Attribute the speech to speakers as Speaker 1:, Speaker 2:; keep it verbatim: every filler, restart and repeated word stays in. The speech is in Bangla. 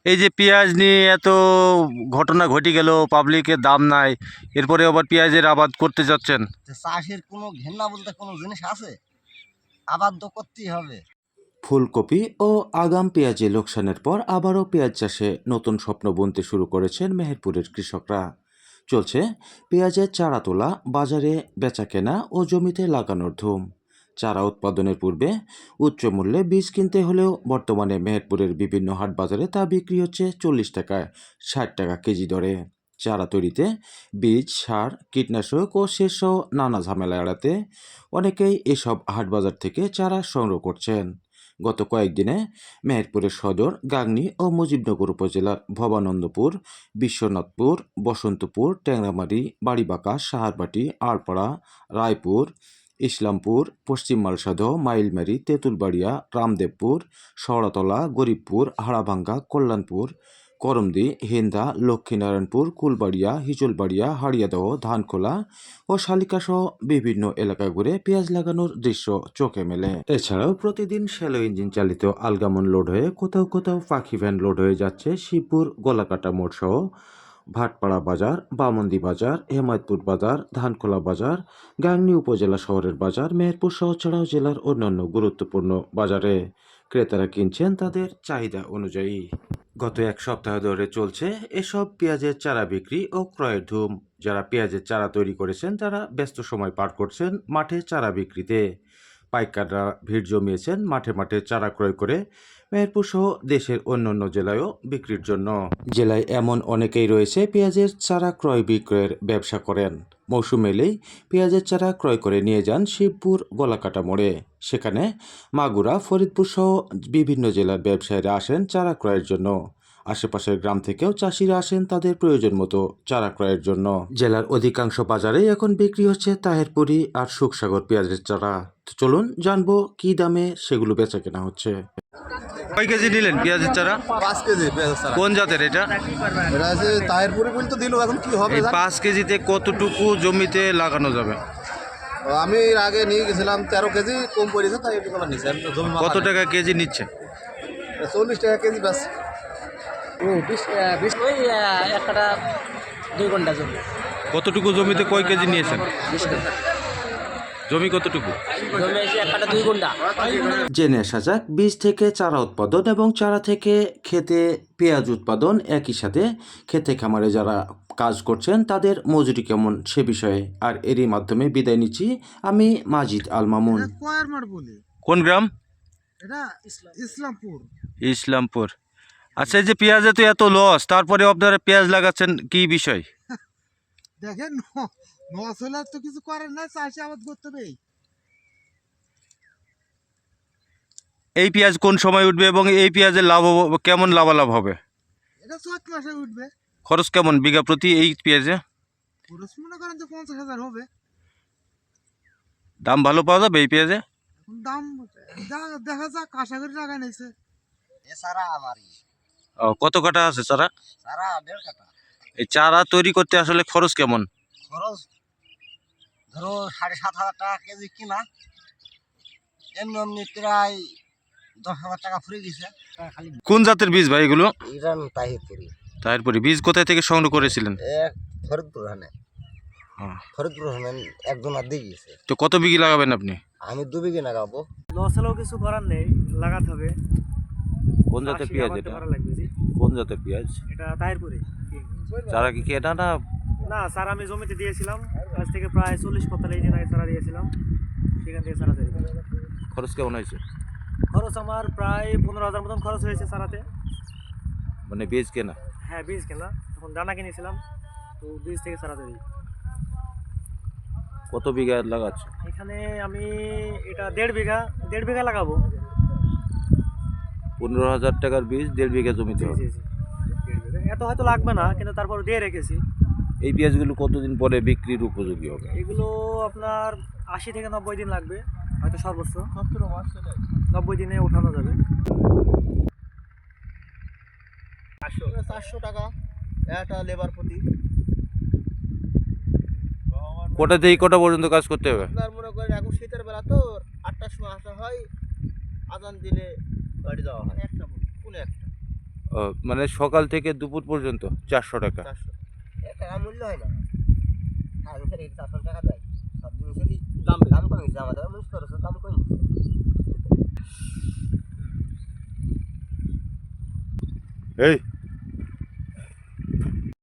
Speaker 1: এই যে পেঁয়াজ নিয়ে এত ঘটনা ঘটে গেল, পাবলিকের দাম নাই, এরপরে আবার পেঁয়াজের আবাদ করতে যাচ্ছেন।
Speaker 2: যে চাষের কোনো ঘেন্না বলতে কোনো জিনিস আছে? আবাদ তো করতেই হবে।
Speaker 3: ফুলকপি ও আগাম পেঁয়াজে লোকসানের পর আবারও পেঁয়াজ চাষে নতুন স্বপ্ন বুনতে শুরু করেছেন মেহেরপুরের কৃষকরা। চলছে পেঁয়াজের চারা তোলা, বাজারে বেচাকেনা ও জমিতে লাগানোর ধুম। চারা উৎপাদনের পূর্বে উচ্চ মূল্যে বীজ কিনতে হলেও বর্তমানে মেহেরপুরের বিভিন্ন হাট বাজারে তা বিক্রি হচ্ছে চল্লিশ টাকায় ষাট টাকা কেজি দরে। চারা তৈরিতে বীজ, সার, কীটনাশক ও সেচ সহ নানা ঝামেলা এড়াতে অনেকেই এসব হাট বাজার থেকে চারা সংগ্রহ করছেন। গত কয়েকদিনে মেহেরপুরের সদর, গাংনী ও মুজিবনগর উপজেলার ভবানন্দপুর, বিশ্বনাথপুর, বসন্তপুর, ট্যাংরামারি, বাড়িবাঁকা, সাহারবাটি, আড়পাড়া, রায়পুর, ইসলামপুর, পশ্চিম মালসাদহ, মাইলমারি, তেঁতুলবাড়িয়া, রামদেবপুর, শওড়াতলা, গরিবপুর, হাড়াভাঙ্গা, কল্যাণপুর, করমদি, হিন্দা, লক্ষ্মীনারায়ণপুর, কুলবাড়িয়া, হিজলবাড়িয়া, হাড়িয়াদহ, ধানখোলা ও শালিকাসহ বিভিন্ন এলাকা ঘুরে পেঁয়াজ লাগানোর দৃশ্য চোখে মেলে। এছাড়াও প্রতিদিন শ্যালো ইঞ্জিন চালিত আলগামন লোড হয়ে কোথাও কোথাও পাখি ভ্যান লোড হয়ে যাচ্ছে শিবপুর গলাকাটা মোড় সহ ভাটপাড়া বাজার, বামন্দি বাজার, হেমায়তপুর বাজার, ধানখোলা বাজার, গাংনী উপজেলা শহরের বাজার, মেহেরপুর সহ ছাড়াও জেলার অন্যান্য গুরুত্বপূর্ণ বাজারে। ক্রেতারা কিনছেন তাদের চাহিদা অনুযায়ী। গত এক সপ্তাহ ধরে চলছে এসব পেঁয়াজের চারা বিক্রি ও ক্রয়ের ধুম। যারা পেঁয়াজের চারা তৈরি করেছেন তারা ব্যস্ত সময় পার করছেন মাঠে চারা বিক্রিতে। পাইকাররা ভিড় জমিয়েছেন মাঠে মাঠে চারা ক্রয় করে মেহেরপুর সহ দেশের অন্যান্য জেলায়ও বিক্রির জন্য। জেলায় এমন অনেকেই রয়েছে পেঁয়াজের চারা ক্রয় বিক্রয়ের ব্যবসা করেন। মৌসুম এলেই পেঁয়াজের চারা ক্রয় করে নিয়ে যান শিবপুর গলাকাটা মোড়ে। সেখানে মাগুরা, ফরিদপুর সহ বিভিন্ন জেলার ব্যবসায়ীরা আসেন চারা ক্রয়ের জন্য। আশেপাশের গ্রাম থেকেও চাষিরা আসেন তাদের প্রয়োজন মতো চারা ক্রয়ের জন্য। জেলার অধিকাংশ বাজারেই এখন বিক্রি হচ্ছে তাহেরপুরি আর সুখসাগর পেঁয়াজের চারা। তো চলুন জানবো কি দামে সেগুলো বেচা কেনা হচ্ছে।
Speaker 1: কয় কেজি নিলেন পেঁয়াজের চারা?
Speaker 4: পাঁচ কেজি পেঁয়াজের চারা।
Speaker 1: কোন জাতের এটা?
Speaker 4: এটা আছে তাহেরপুরি বলতে দিল, এখন কি হবে
Speaker 1: এই
Speaker 4: জানি।
Speaker 1: পাঁচ কেজিতে কতটুকু জমিতে লাগানো যাবে?
Speaker 4: আমি এর আগে নিয়ে গেছিলাম তেরো কেজি, কম পড়েছে তাই একটু কম নিচ্ছে। আমি তো জমি
Speaker 1: কত টাকা কেজি নিচ্ছে?
Speaker 4: চল্লিশ টাকা কেজি ব্যাস।
Speaker 2: ও বিশ বিশ ওই এক কাটা দুই ঘন্টা জমি।
Speaker 1: কতটুকু জমিতে কয় কেজি নিয়েছেন?
Speaker 2: বিশ ঘন্টা
Speaker 1: জমি কতটুকু?
Speaker 2: জমি এসে এক কাটা দুই ঘন্টা।
Speaker 3: জেনে আসা যাক বীজ থেকে চারা উৎপাদন এবং চারা থেকে খেতে পেঁয়াজ উৎপাদন একই সাথে খেতে খামারে যারা কাজ করছেন তাদের মজুরি কেমন সে বিষয়ে। আর এরই মাধ্যমে বিদায় নিচ্ছি আমি মাজিদ আল মামুন।
Speaker 5: কয়ার মাঠ বলে
Speaker 1: কোন গ্রাম?
Speaker 5: এটা ইসলামপুর।
Speaker 1: ইসলামপুর। আচ্ছা, এই যে পেঁয়াজে তো এত লস, তারপরে আপনারা পেঁয়াজ লাগাচ্ছেন, কি বিষয়?
Speaker 5: দেখেন নস হলে তো কিছু করেন না, চাষে আবাদ করতে হবে।
Speaker 1: এই পেঁয়াজ কোন সময় উঠবে এবং এই পেঁয়াজের লাভ হব- কেমন লাভালাভ হবে?
Speaker 5: এটা চৈত মাসে উঠবে।
Speaker 1: খরচ কেমন বিঘা প্রতি এই পেঁয়াজে?
Speaker 5: খরচ মনে করেন যে পঞ্চাশ হাজার হবে।
Speaker 1: দাম ভালো পাওয়া যাবে এই পেঁয়াজে?
Speaker 5: এখন দাম যা- দেখা যাক, আশা করি টাকা নিয়েছে।
Speaker 2: এ সারা আমারই
Speaker 1: ও, কত কাটা আছে চারা?
Speaker 2: সারা দেড় কাটা।
Speaker 1: এই চারা তৈরি করতে আসলে খরচ কেমন?
Speaker 2: খরচ ধরো সাড়ে সাত হাজার টাকা কেজি কিনা, এমনি এমনি প্রায় দশ হাজার টাকা ফুরে গেছে। খালি
Speaker 1: কোন জাতের বীজ ভাই এগুলো?
Speaker 2: ইরান তাহিরপুরি
Speaker 1: তারপরে বীজ কোথায় থেকে সংগ্রহ করেছিলেন?
Speaker 2: এক ফরিদপুর হানে
Speaker 1: হ্যাঁ।
Speaker 2: ফরিদপুর হানে একজন আর দিয়ে গেছে।
Speaker 1: তো কত বিঘি লাগাবেন আপনি?
Speaker 2: আমি দু বিঘে লাগাবো।
Speaker 6: লস হলেও কিছু করার নেই, লাগাতে হবে।
Speaker 1: কোন জাতের
Speaker 6: চাষি
Speaker 1: পেঁয়াজ
Speaker 6: আবাদ
Speaker 1: এটা?
Speaker 6: করা লাগবে জি।
Speaker 1: কোন জাতের পেঁয়াজ?
Speaker 6: এটা তাহিরপুরে।
Speaker 1: চারা কি কেনা না?
Speaker 6: না স্যার, আমি জমিতে দিয়েছিলাম, আজ থেকে প্রায় চল্লিশ পঁয়তাল্লিশ দিন আগে চারা দিয়েছিলাম, সেখান থেকে চারা তৈরি করি।
Speaker 1: খরচ কেমন হয়েছে?
Speaker 6: খরচ আমার প্রায় পনেরো হাজার মতন খরচ হয়েছে চারাতে।
Speaker 1: মানে বীজ কেনা?
Speaker 6: হ্যাঁ, বীজ কেনা, তখন দানা কিনেছিলাম, তো বীজ থেকে চারা তৈরি।
Speaker 1: কত বিঘা লাগাচ্ছ?
Speaker 6: এখানে আমি এটা দেড় বিঘা দেড় বিঘা লাগাবো।
Speaker 1: পনেরো হাজার টাকার বীজ দেড় বিঘা জমিতে
Speaker 6: জি
Speaker 1: হবে।
Speaker 6: জি জি দেড় বিঘা। এত হয়তো লাগবে না, কিন্তু তারপর দিয়ে রেখেছি।
Speaker 1: এই পেঁয়াজগুলো কতদিন পরে বিক্রির উপযোগী হবে?
Speaker 6: এগুলো আপনার আশি থেকে নব্বই দিন লাগবে, হয়তো সর্বোচ্চ নব্বই দিনে ওঠানো যাবে।
Speaker 4: চারশো টাকা একটা লেবার প্রতি।
Speaker 1: কটা থেকে কটা পর্যন্ত কাজ করতে হবে?
Speaker 4: আপনার মনে করেন এখন শীতের বেলা তো আটটার সময় আসা হয়, আজান দিলে বাড়ি যাওয়া হয়। একটা কোনো একটা
Speaker 7: ও, মানে সকাল থেকে দুপুর পর্যন্ত চারশো টাকা।
Speaker 2: চারশো এর টাকা মূল্য হয় না আর এখানে চারশো টাকা দেয় সব জিনিসেরই দাম দাম কমে গেছে আমাদের মুখ খরচের দাম কমে গেছে
Speaker 7: এই